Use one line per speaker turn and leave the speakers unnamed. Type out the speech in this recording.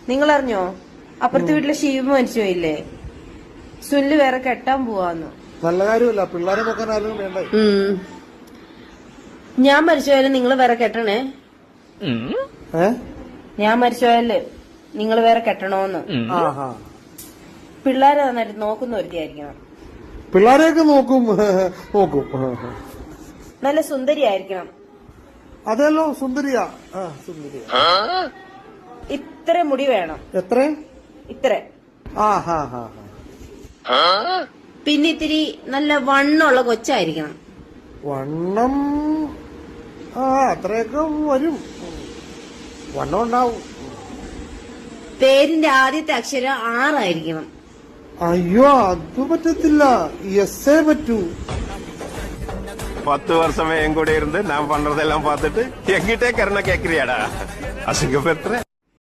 നിങ്ങൾ അറിഞ്ഞോ? അപ്പുറത്തെ വീട്ടിലെ ഷീബ് മരിച്ചു പോയില്ലേ? സുനില് വേറെ കെട്ടാൻ പോവാന്ന്.
നല്ല കാര്യമല്ല, പിള്ളേരെ നോക്കാൻ ആരും വേണ്ട.
ഞാൻ മരിച്ചുപോയാലും നിങ്ങൾ വേറെ കെട്ടണേ. ഞാൻ മരിച്ചുപോയാല് നിങ്ങൾ വേറെ കെട്ടണോന്ന്. പിള്ളേരെ നന്നായിട്ട് നോക്കുന്ന ഒരുത്തിയായിരിക്കണം.
പിള്ളേരെയൊക്കെ നോക്കും.
നല്ല സുന്ദരിയായിരിക്കണം.
അതെല്ലോ, സുന്ദരിയാ.
ഇത്ര മുടി വേണം.
എത്ര?
ഇത്ര. പിന്നെ ഇത്തിരി നല്ല വണ്ണമുള്ള കൊച്ചായിരിക്കണം.
വണ്ണം അത്രയൊക്കെ വരും. വണ്ണം ഉണ്ടാവും.
പേരിന്റെ ആദ്യത്തെ അക്ഷരം 6 ആയിരിക്കണം.
അയ്യോ, അത് പറ്റത്തില്ല. എസ്സേ പറ്റൂ.
10 வருஷமே என் கூட இருந்து நான் பண்றதெல்லாம் பார்த்துட்டு எங்கிட்டே கருணை கேக்குறியாடா? அசிங்கப்படுத்துற.